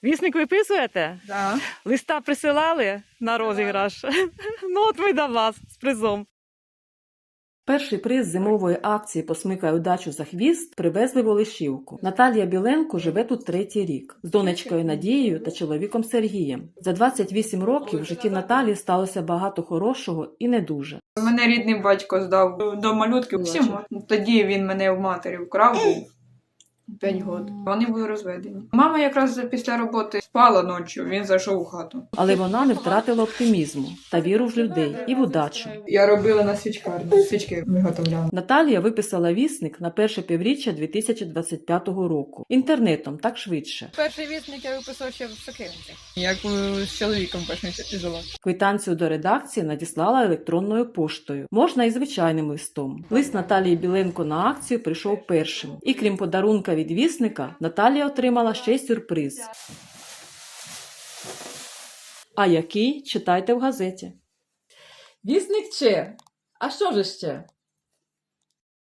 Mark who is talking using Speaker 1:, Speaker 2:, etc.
Speaker 1: Вісник виписуєте?
Speaker 2: Да.
Speaker 1: Листа присилали на розіграш? Ну от ми до вас з призом. Перший приз зимової акції «Посмикай удачу за хвіст» привезли в Олешівку. Наталія Біленко живе тут 3-й рік. З донечкою Надією та чоловіком Сергієм. За 28 років в житті Наталії сталося багато хорошого і не дуже.
Speaker 2: Мене рідний батько здав до малютки всім. Тоді він мене в матері вкрав, був 5 років. Вони були розведені. Мама якраз після роботи спала ночі, він зайшов у хату.
Speaker 1: Але вона не втратила оптимізму та віру в людей і в удачу.
Speaker 2: Я робила на свічкарні, свічки виготовляла.
Speaker 1: Наталія виписала вісник на перше півріччя 2025 року. Інтернетом, так швидше.
Speaker 3: Перший вісник я виписав ще в Сокиринці.
Speaker 2: Як з чоловіком першим жила.
Speaker 1: Квитанцію до редакції надіслала електронною поштою. Можна і звичайним листом. Лист Наталії Біленко на акцію прийшов першим. І крім подарунка від вісника, Наталія отримала ще й сюрприз. А який? Читайте в газеті.
Speaker 4: Вісник Че. А що ж ще?